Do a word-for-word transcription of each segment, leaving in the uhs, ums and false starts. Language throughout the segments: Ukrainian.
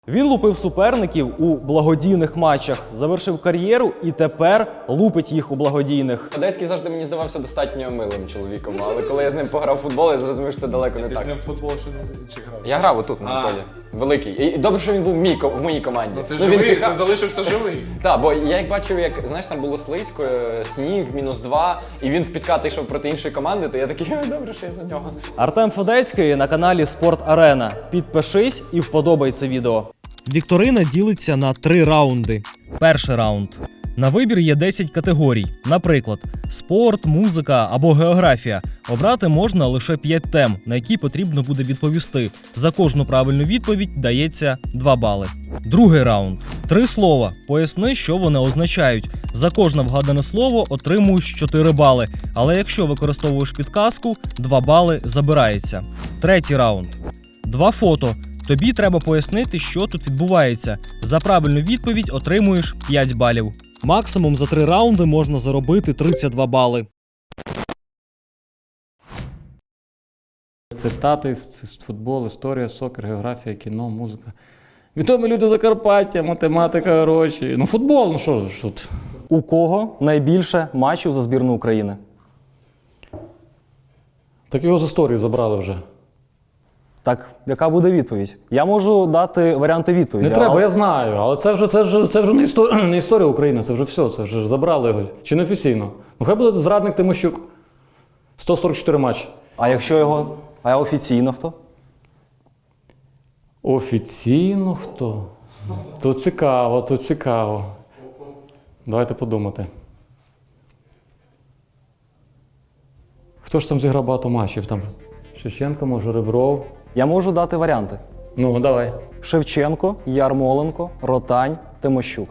Він лупив суперників у благодійних матчах, завершив кар'єру і тепер лупить їх у благодійних. Федецький завжди мені здавався достатньо милим чоловіком, але коли я з ним пограв в футбол, я зрозумів, що це далеко не Ти так. з ним в футбол ще не чи грав? Я грав отут на А. полі. Великий. І добре, що він був в, мій, в моїй команді. Ну ти він живий, піхав- ти залишився живий. Так, бо я як бачив, як знаєш, там було слизько, е, сніг, мінус два, і він в підкати йшов проти іншої команди, то я такий, «Ой, добре, що я за нього. Артем Федецький на каналі Спорт Арена. Підпишись і вподобай це відео. Вікторина ділиться на три раунди. Перший раунд. На вибір є десять категорій. Наприклад, спорт, музика або географія. Обрати можна лише п'ять тем, на які потрібно буде відповісти. За кожну правильну відповідь дається два бали. Другий раунд. Три слова. Поясни, що вони означають. За кожне вгадане слово отримуєш чотири бали. Але якщо використовуєш підказку, два бали забирається. Третій раунд. Два фото. Тобі треба пояснити, що тут відбувається. За правильну відповідь отримуєш п'ять балів. Максимум за три раунди можна заробити тридцять два бали. Цитати з з футболу, історія, сокер, географія, кіно, музика. Відомі люди Закарпаття, математика, гроші. Ну футбол, ну що ж тут. У кого найбільше матчів за збірну України? Так його з історії забрали вже. Так, яка буде відповідь? Я можу дати варіанти відповіді. Не треба, але- я знаю, але це вже, це вже, це вже не, історія, не історія України, це вже все, це вже забрали його. Чи не офіційно? Ну хай буде зрадник Тимощук. сто сорок чотири матчі. А якщо його. А офіційно хто? Офіційно хто? Тут цікаво, тут цікаво. Давайте подумати. Хто ж там зіграв багато матчів? Там Шевченко, може, Ребров. Я можу дати варіанти. Ну, давай. Шевченко, Ярмоленко, Ротань, Тимощук.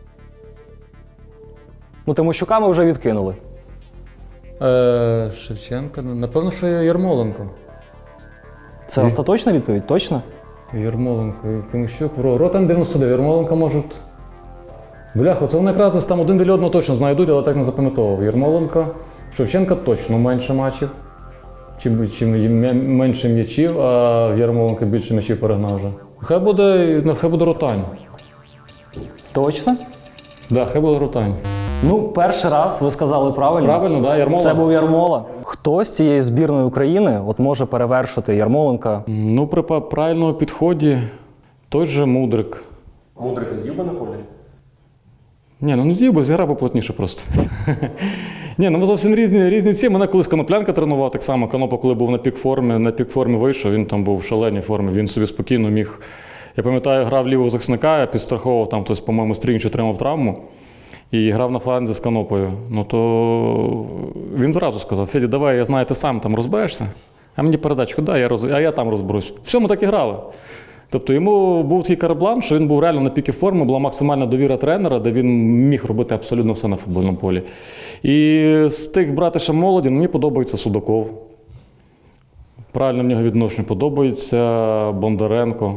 Ну, Тимощука ми вже відкинули. Е, Шевченко, ну, напевно, що Ярмоленко. Це Ні. остаточна відповідь, точно? Ярмоленко, і Тимощук, Ро- Ротан дев'яносто дев'ять, Ярмоленко, може. Бляха, це вони якраз десь там один біля одного точно знайдуть, але так не запам'ятовував. Ярмоленко, Шевченка точно менше матчів. Чим, чим м'я- менше м'ячів, а в Ярмоленка більше м'ячів перегнав вже. Хай буде, ну, хай буде Ротань. Точно? Так, да, хай буде Ротань. Ну, перший раз ви сказали правильно. Правильно, да, Ярмола? Це був Ярмола. Хто з цієї збірної України от може перевершити Ярмоленка? Ну, при па- правильному підході той же Мудрик. Мудрика з'їв би на полі? Ні, ну не з'їв би, зіграв би плотніше просто. Ні, ну ми зовсім різні, різні ці. Мене колись Коноплянка тренував, так само Конопа, коли був на пік-формі, на пік-формі вийшов, він там був в шаленій формі, він собі спокійно міг. Я пам'ятаю, грав лівого захисника, я підстраховував, там хтось, по-моєму, стрінч отримав травму і грав на фланзі з Конопою. Ну то він зразу сказав: Феді, давай, я знаю, ти сам там розберешся, а мені передачку дай, я роз... а я там розберусь. Все, ми так і грали. Тобто йому був такий карблан, що він був реально на піки форми, була максимальна довіра тренера, де він міг робити абсолютно все на футбольному полі. І з тих брати ще молоді, мені подобається Судаков. Правильно в нього відношення подобається Бондаренко.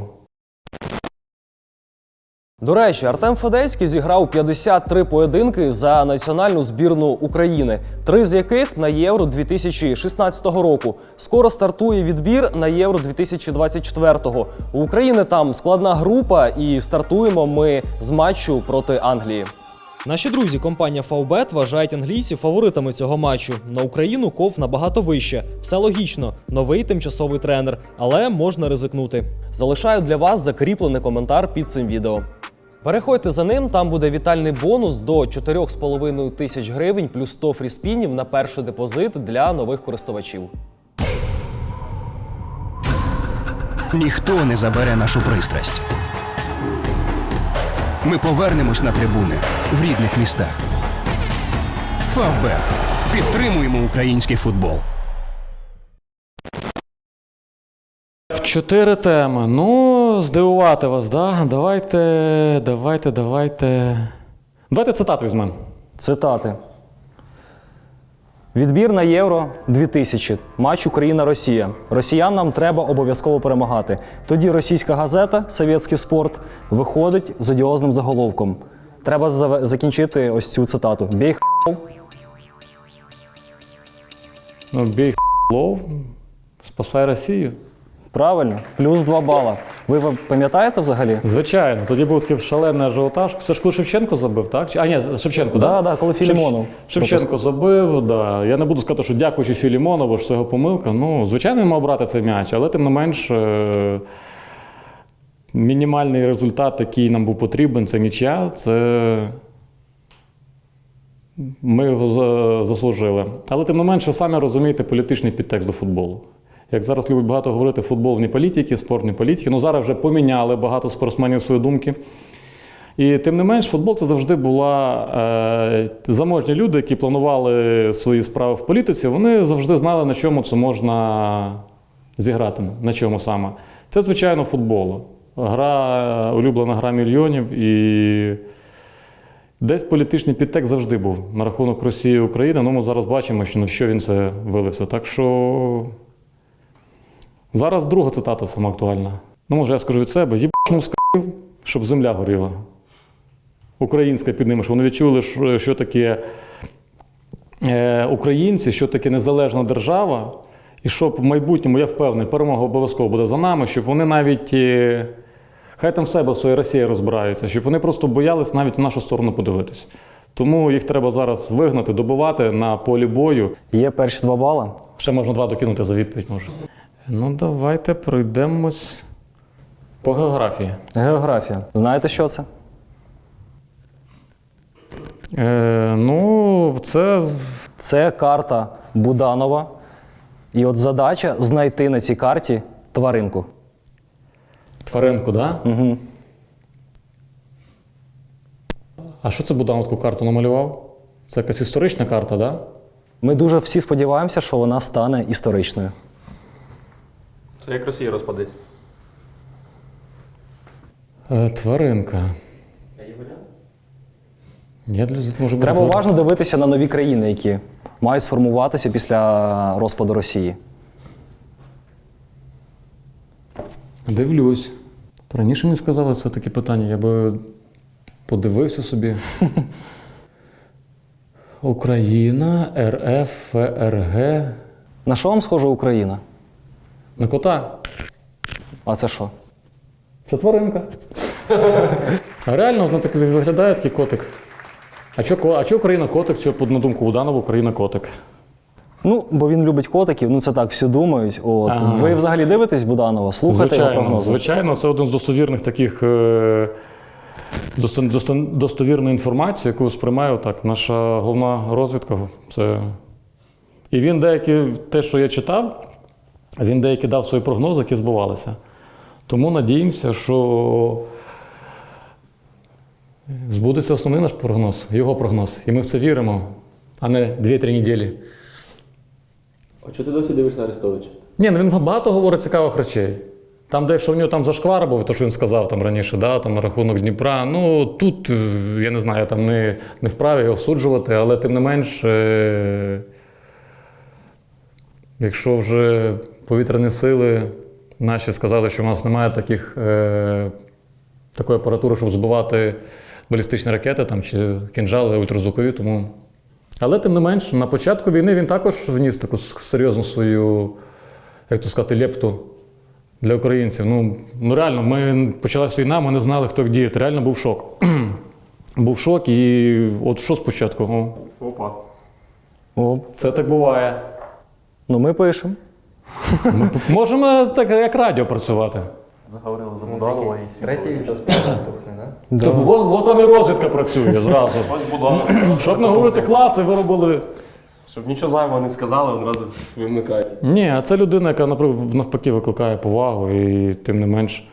До речі, Артем Федецький зіграв п'ятдесят три поєдинки за національну збірну України, три з яких на Євро дві тисячі шістнадцятого року. Скоро стартує відбір на Євро дві тисячі двадцять четвертого. У України там складна група, і стартуємо ми з матчу проти Англії. Наші друзі, компанія Фавбет, вважають англійців фаворитами цього матчу. На Україну ков набагато вище. Все логічно. Новий тимчасовий тренер. Але можна ризикнути. Залишаю для вас закріплений коментар під цим відео. Переходьте за ним, там буде вітальний бонус до чотири з половиною тисяч гривень плюс сто фріспінів на перший депозит для нових користувачів. Ніхто не забере нашу пристрасть. Ми повернемось на трибуни в рідних містах. Фавбет. Підтримуємо український футбол. Чотири теми. Ну, здивувати вас, да? Давайте, давайте, давайте. Давайте цитату візьмемо. Цитати. Відбір на Євро дві тисячі. Матч Україна-Росія. Росіянам треба обов'язково перемагати. Тоді російська газета «Совєтський спорт» виходить з одіозним заголовком. Треба зав- закінчити ось цю цитату. Бій х**ов. Ну, бій х**лов, спасай Росію. Правильно, плюс два бала. Ви ви пам'ятаєте взагалі? Звичайно, тоді був такий шалений ажіотаж. Це ж коли Шевченко забив, так? Чи- А, ні, Шевченко, Да, так? да, коли Філімонов. Шевченко забив, да. Я не буду сказати, що дякуючи Філімонову, що це його помилка. Ну, звичайно, він мав брати цей м'яч, але тим не менш, е, мінімальний результат, який нам був потрібен, це нічия, це ми його за- заслужили. Але тим не менше, ви самі розумієте політичний підтекст до футболу. Як зараз любить багато говорити, футбол не політики, спорт не політики. Ну зараз вже поміняли багато спортсменів свої думки. І тим не менш, футбол це завжди була е, заможні люди, які планували свої справи в політиці. Вони завжди знали, на чому це можна зіграти, на чому саме. Це, звичайно, футбол. Гра, улюблена гра мільйонів. І десь політичний підтекст завжди був на рахунок Росії і України. Ну, ми зараз бачимо, що на що він це вилився. Так що зараз друга цитата сама актуальна. Ну, може, я скажу від себе: «Єбашну скрив, щоб земля горіла». Українська під ними, щоб вони відчули, що- що таке е, українці, що таке незалежна держава, і щоб в майбутньому, я впевнений, перемога обов'язково буде за нами, щоб вони навіть, е, хай там в себе в своїй Росії розбираються, щоб вони просто боялись навіть в нашу сторону подивитись. Тому їх треба зараз вигнати, добивати на полі бою. Є перші два бала. Ще можна два докинути за відповідь, може. Ну, давайте пройдемось по географії. Географія. Знаєте, що це? Е, ну, це Це карта Буданова. І от задача знайти на цій карті тваринку. тваринку, так? Да? Угу. А що це Буданов таку карту намалював? Це якась історична карта, так? Да? Ми дуже всі сподіваємося, що вона стане історичною. Це як Росія розпадеться. Е, тваринка. Я для може бути Треба твар- уважно дивитися на нові країни, які мають сформуватися після розпаду Росії. Дивлюсь. Раніше мені сказали це таке питання, я би подивився собі. Україна, РФ, ФРГ. На що вам схожа Україна? На кота. А це що? Це тваринка. А реально, воно так виглядає такий котик. А чого а чо Україна котик? Чого, на думку Буданова, Україна котик? Ну, бо він любить котиків, ну це так всі думають. От. Ага. Ви взагалі дивитесь Буданова? Слухаєте його Звичайно, прогнози? звичайно, це один з достовірних таких е, досто- досто- достовірної інформації, яку сприймає так наша головна розвідка. Це... І він деякі, те, що я читав, він деякі дав свої прогнози, які збувалися. Тому надіємося, що збудеться основний наш прогноз, його прогноз. І ми в це віримо, а не дві-три неділі. А чого ти досі дивишся на Арестовича? Ні, ну він багато говорить цікавих речей. Там, де якщо в нього там зашквар був, то що він сказав там раніше, да, там на рахунок Дніпра. Ну тут, е, я не знаю, я там не, не вправі його осуджувати, але тим не менш, е, якщо вже повітряні сили наші сказали, що в нас немає таких, е, такої апаратури, щоб збивати балістичні ракети там, чи кінжали ультразвукові, тому. Але тим не менш, на початку війни він також вніс таку серйозну свою, як то сказати, лепту для українців. Ну, ну реально, ми почалась війна, ми не знали, хто як діяти. Реально був шок. Був шок, і от що спочатку? О, Опа. О, це так буває. ну ми пишемо. Ми можемо так, як радіо працювати. Заговорили за Буданова і Третій відео тухне, да? То, от, от вам і розвідка працює зразу. Ось Буданов. Щоб не говорити класи, ви робили. Щоб нічого зайвого не сказали, одразу вимикають. Ні, а це людина, яка наприклад, навпаки викликає повагу, і тим не менш.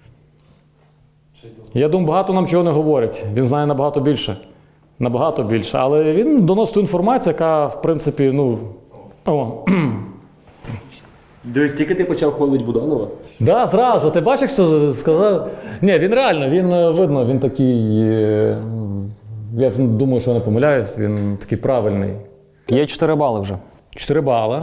Я думаю, багато нам чого не говорять. Він знає набагато більше. Набагато більше. Але він доносить ту інформацію, яка, в принципі, ну. О. Дивись, тільки ти почав хвалити Буданова. Да, зразу. Ти бачиш, що сказав? Ні, він реально, він е, видно, він такий. е, Я думаю, що я не помиляюсь, він такий правильний. Є чотири бали вже. Чотири бали.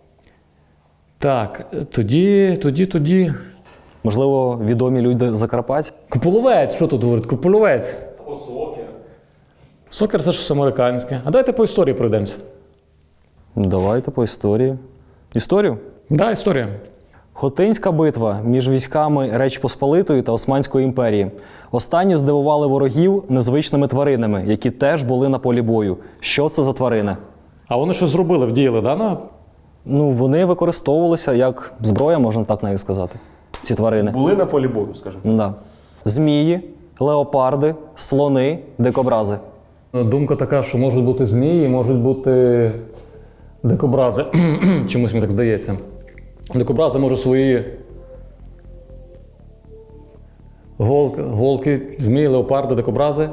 Так, тоді, тоді, тоді. Можливо, відомі люди Закарпаття. Куполовець, що тут говорить? Куполовець. Або сокер. Сокер це ж американське. А давайте по історії пройдемося. Давайте по історії. Історію? Так, да, історія. Хотинська битва між військами Речі Посполитої та Османської імперії. Останні здивували ворогів незвичними тваринами, які теж були на полі бою. Що це за тварини? А вони щось зробили, вдіяли, да? На... Ну, вони використовувалися як зброя, можна так навіть сказати. Ці тварини. Були на полі бою, скажімо. Да. Змії, леопарди, слони, дикобрази. Думка така, що можуть бути змії, можуть бути дикобрази. Чомусь мені так здається. Дикобрази можуть свої голки, голки, змії, леопарди, дикобрази.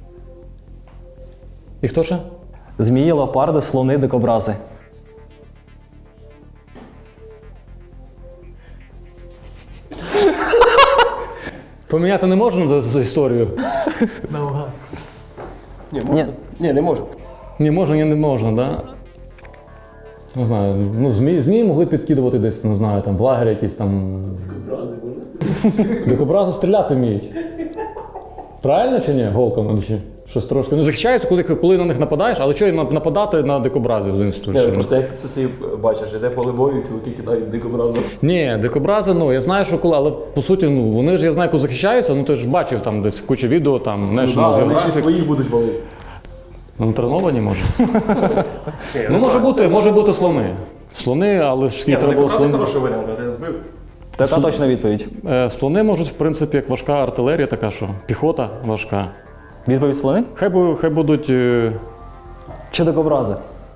І хто ще? Змії, леопарди, слони, дикобрази. Поміняти не можна за, за історію? Ні, можна. Ні, не можу. Ні, можна, ні, не можна, да? Не знаю, ну змії, змії могли підкидувати десь, не знаю, там в лагері якісь там. Дикобрази можна? Дикобрази стріляти вміють. Правильно чи ні? Голками чи щось трошки. Ну захищаються, коли, коли на них нападаєш, але що їм нападати на дикобразів з іншої Ні, сторони? просто як ти це собі бачиш, іде поле бою, чуваки кидають дикобрази. Ні, дикобрази, ну я знаю, що коли, але по суті, ну вони ж я знаю, коли захищаються, ну ти ж бачив там десь куча відео, там Ну, National да, вони ще Geographic. своїх будуть валити. Ну, треновані може. Ну, може бути, може бути слони. Слони, але ж скільки треба було слони. хороший варіант, а я збив. Така точна відповідь. Е, Слони можуть, в принципі, як важка артилерія, така що піхота важка. Відповідь слони Хай, бу- хай будуть. е, чи дикобрази?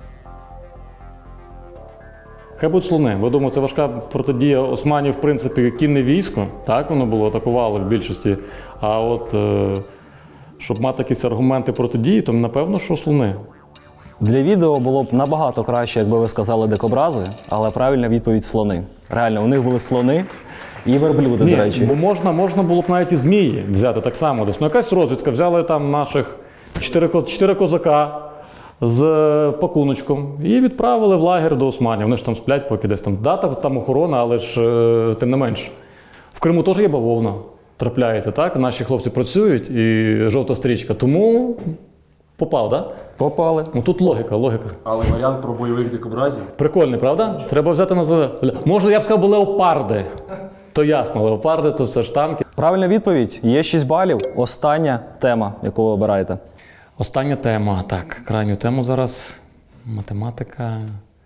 Хай будуть слони, бо думаю, це важка протидія Османів, в принципі, кінне військо, так воно було, атакувало в більшості. А от е, щоб мати якісь аргументи протидії, то напевно, що слони. Для відео було б набагато краще, якби ви сказали дикобрази, але правильна відповідь слони. Реально, у них були слони і верблюди, Ні, до речі. бо можна, можна було б навіть і змії взяти так само десь. Ну, якась розвідка, взяли там наших чотири, ко- чотири козака з пакуночком і відправили в лагер до Османів. Вони ж там сплять, поки десь там дата, там охорона, але ж е, тим не менш. В Криму теж є бавовна, трапляється, так? Наші хлопці працюють і жовта стрічка. Тому попав, так? Да? Попали. Ну тут логіка, логіка. Але варіант про бойових дикобразів. Прикольний, правда? Треба взяти на за. Може, я б сказав, бо леопарди. То ясно, леопарди, то це ж танки. Правильна відповідь. Є шість балів. Остання тема, яку ви обираєте. Остання тема. Так, крайню тему зараз. Математика.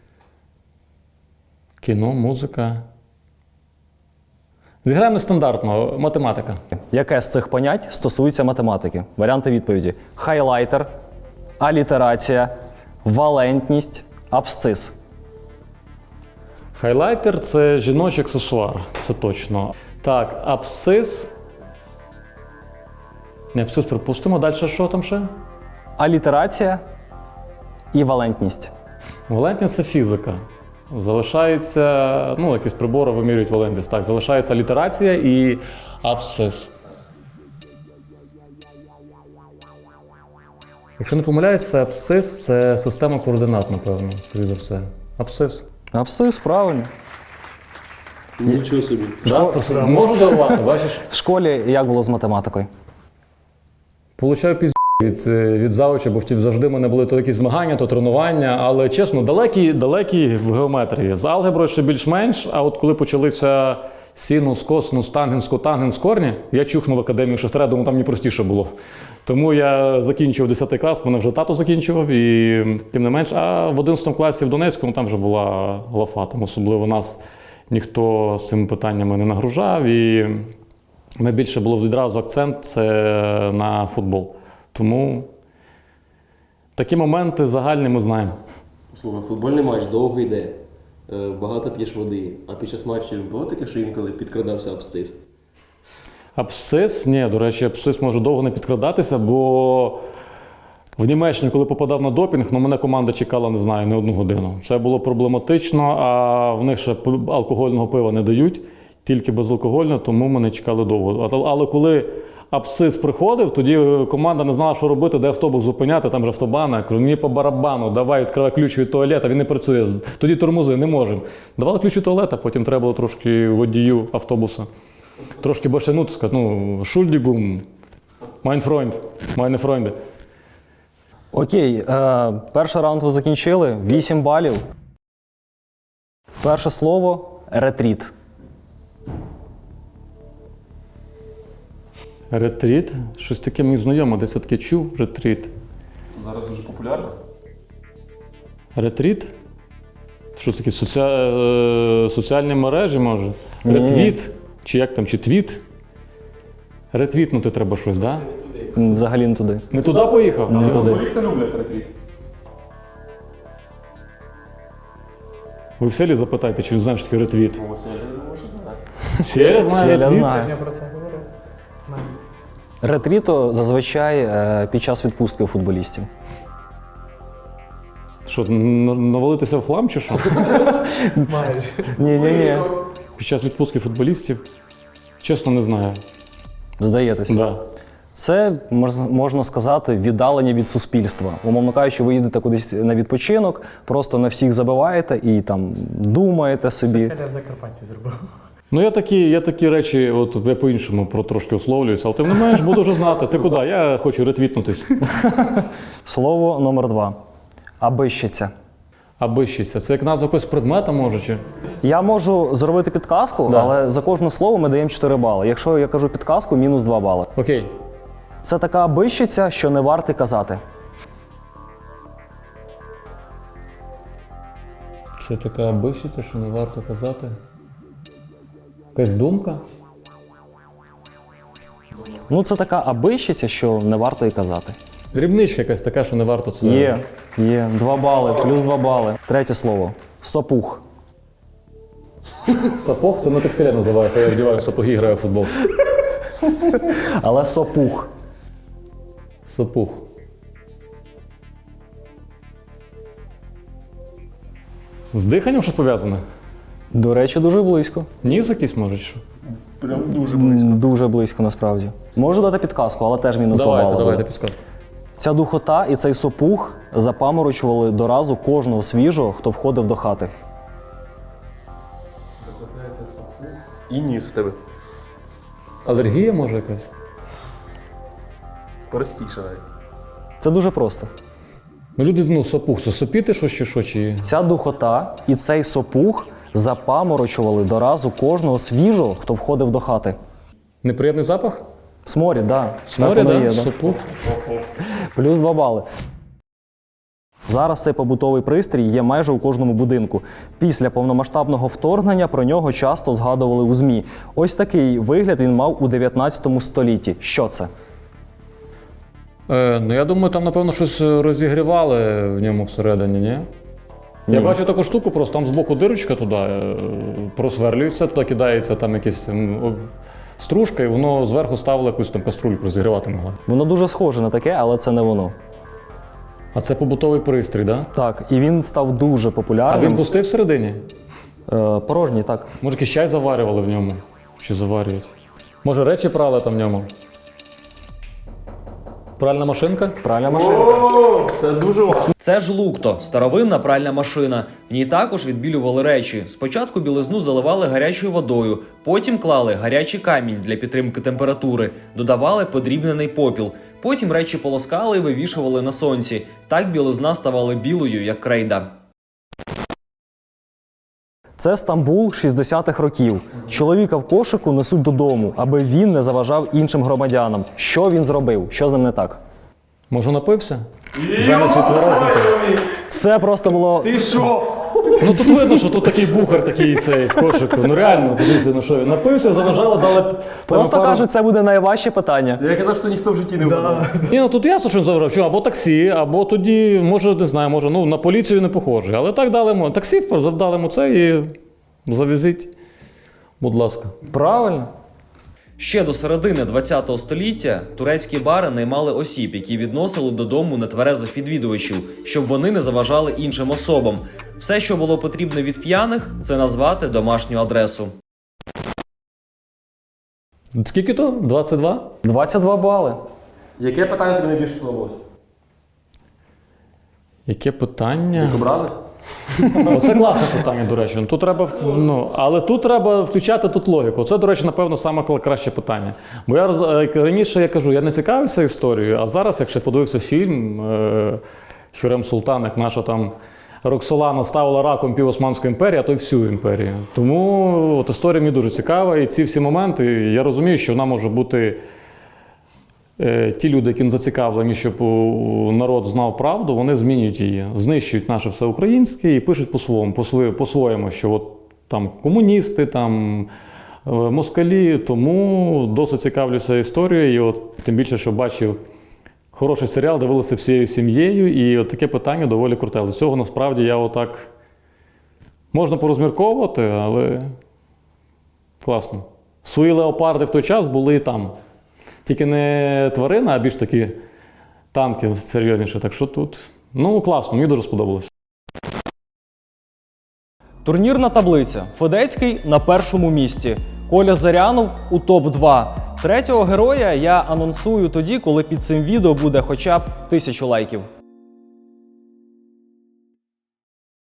Кіно, музика. Зіграємо нестандартно. Математика. Яке з цих понять стосується математики? Варіанти відповіді: хайлайтер, алітерація, валентність, абсцис. Хайлайтер – це жіночий аксесуар. Це точно. Так, абсцис. Не, абсцис припустимо. Далі що там ще? Алітерація і валентність. Валентність – це фізика. Залишається, ну, якісь прибори вимірюють валентність. Так, залишається алітерація і абсцис. Якщо не помиляюся, абсцис – це система координат, напевно, скоріше за все. Абсцис. Абсцис, правильно. Нічого собі. Да? Просто можу дарувати, бачиш? В школі як було з математикою? Получаю пізд від, е, від завуча, бо втім завжди в мене були то якісь змагання, то тренування, але чесно, далекі, далекі в геометрії. З алгеброю ще більш-менш, а от коли почалися синус, косинус, тангенс, котангенс, корні, я чухнув в академію Шахтаря, думаю, там мені простіше було. Тому я закінчив десятий клас, мене вже тато закінчував, і тим не менш, а в одинадцятому класі в Донецькому там вже була лафа, там особливо нас ніхто з цими питаннями не нагружав, і ми більше було відразу акцент це на футбол. Тому такі моменти загальні ми знаємо. Слухай, футбольний матч довго йде, е, багато п'єш води, а під час матчів було таке, що інколи підкрадався абсцис? Абсцис, ні, до речі, абсцис може довго не підкрадатися, бо в Німеччині, коли попадав на допінг, ну, мене команда чекала, не знаю, не одну годину. Це було проблематично, а в них ще алкогольного пива не дають, тільки безалкогольне, тому мене чекали довго. Але коли абсцис приходив, тоді команда не знала, що робити, де автобус зупиняти, там же автобани. Я кажу, мені по барабану, давай, відкривай ключ від туалета, він не працює. Тоді тормози, не можемо. Давали ключ від туалета, потім треба було трошки водію автобуса. Трошки більше, ну, сказати, ну, шульдігум, mein Freund, meine Freunde. Окей, е, перший раунд ви закінчили. вісім балів. Перше слово ретріт. Ретріт? Щось таке мені знайоме, десь я таке чув. Ретріт. Зараз дуже популярно. Ретріт? Що це таке? Соці... е, Соціальні мережі, може? Ретвіт? Чи як там? Чи твіт? Ретвітнути треба щось, так? Да? Взагалі не туди. Не туди поїхав? Не туди. Футболісти люблять ретріт. Ви в селі запитайте, чи він знає, що таке ретвіт. Ось я думаю, що знаю. Селя знає Селя ретвіт? знає. Ретріто зазвичай е, під час відпустки у футболістів. Що, н- навалитися в хлам чи що? Ні, ні, ні. Під час відпустки футболістів? Чесно, не знаю. Здаєтесь. Да. Це, мож- можна сказати, віддалення від суспільства. Умовно кажучи, ви їдете кудись на відпочинок, просто на всіх забиваєте і там думаєте собі. Я в Закарпатті зробив. Ну я такі, я такі речі, от я по-іншому про трошки условлююся, але тим не менш буду вже знати. Ти куди? Я хочу ретвітнутись. Слово номер два. Абищиця. Абищиця. Це як назва якогось предмета, може, чи? Я можу зробити підказку, Да. але за кожне слово ми даємо чотири бали. Якщо я кажу підказку, мінус два бали. Окей. Це така абищиця, що не варто казати. Це така абищиця, що не варто казати. Якась думка? Ну, це така абищиця, що не варто і казати. Дрібничка якась така, що не варто це. Є, є. Два бали, плюс два бали. Третє слово. Сопух. Сапог, це на текстилі називається, я вдіваю сапоги і граю в футбол. Але сопух. Сапух. З диханням щось пов'язане? До речі, дуже близько. Ніс якийсь може, чи що? Прям дуже М, Дуже близько, насправді. Можу дати підказку, але теж мінус два Давайте, бали. давайте буде. підсказку. Ця духота і цей сопух запаморочували до разу кожного свіжого, хто входив до хати. І ніс в тебе. Алергія може якась? Простіше навіть. Це дуже просто. Ну люди, ну, сапух, це сопіти щось чи що, чи... Ця духота і цей сопух запаморочували до разу кожного свіжого, хто входив до хати. Неприємний запах? Сморід, так. Да. Сморі, Так воно да? є, да. Сапух. Плюс два бали. Зараз цей побутовий пристрій є майже у кожному будинку. Після повномасштабного вторгнення про нього часто згадували у ЗМІ. Ось такий вигляд він мав у дев'ятнадцятому столітті. Що це? Е, ну я думаю, там, напевно, щось розігрівали в ньому всередині, ні? Я Ні. бачу таку штуку, просто там збоку дирочка туди е, просверлюється, туди кидається там якась м, о, стружка, і воно зверху ставило якусь там каструльку розігрівати могла. Воно дуже схоже на таке, але це не воно. А це побутовий пристрій, так? Да? Так, і він став дуже А популярним. він пустий всередині? Е, порожній, так. Може, якийсь чай заварювали в ньому? Чи заварюють? Може, речі прали там в ньому? Пральна машинка? Пральна машина. Це дуже важко. Це ж лукто, старовинна пральна машина. В ній також відбілювали речі. Спочатку білизну заливали гарячою водою, потім клали гарячий камінь для підтримки температури, додавали подрібнений попіл. Потім речі полоскали і вивішували на сонці. Так білизна ставала білою, як крейда. Це Стамбул шістдесятих років. Чоловіка в кошику несуть додому, аби він не заважав іншим громадянам. Що він зробив? Що з ним не так? Може, напився? Замість відтверезника. Це просто було... Ти що? Ну тут видно, що тут такий бухар такий цей в кошику. Ну реально, подивіться, ну що він напився, заважало, дали б- Просто пару- кажуть, це буде найважче питання. Я казав, що ніхто в житті не вгадав. Ні, ну тут ясно, що він заважав. Що, або таксі, або тоді, може, не знаю, може, ну на поліцію не похожий. Але так дали йому. Таксі завдали йому це і завезіть, будь ласка. Правильно. Ще до середини ХХ століття турецькі бари наймали осіб, які відносили додому нетверезих відвідувачів, щоб вони не заважали іншим особам. Все, що було потрібно від п'яних, це назвати домашню адресу. Скільки то? двадцять два? двадцять два бали. Яке питання тобі найбільше сподобалось? Яке питання? Образи? Оце класне питання, до речі. Тут треба, ну, але тут треба включати тут логіку. Це, до речі, напевно, саме краще питання. Бо я роз- раніше я кажу, я не цікавився історією, а зараз, якщо подивився фільм е- Хюрем Султан, як наша там Роксолана ставила раком пів Османської імперії, а то й всю імперію. Тому от історія мені дуже цікава, і ці всі моменти, я розумію, що вона може бути е, ті люди, які не зацікавлені, щоб у- народ знав правду, вони змінюють її, знищують наше все українське і пишуть по-своєму, по-своє- по-своєму, що от там комуністи, там е, москалі, тому досить цікавлюся історією, і от тим більше, що бачив хороший серіал, дивилися всією сім'єю, і от таке питання доволі круте. До цього насправді я отак можна порозмірковувати, але класно. Свої леопарди в той час були і там. Тільки не тварина, а більш такі танки серйозніше. Так що тут, ну класно, мені дуже сподобалось. Турнірна таблиця. Федецький на першому місці. Коля Зарянов у топ два. Третього героя я анонсую тоді, коли під цим відео буде хоча б тисячу лайків.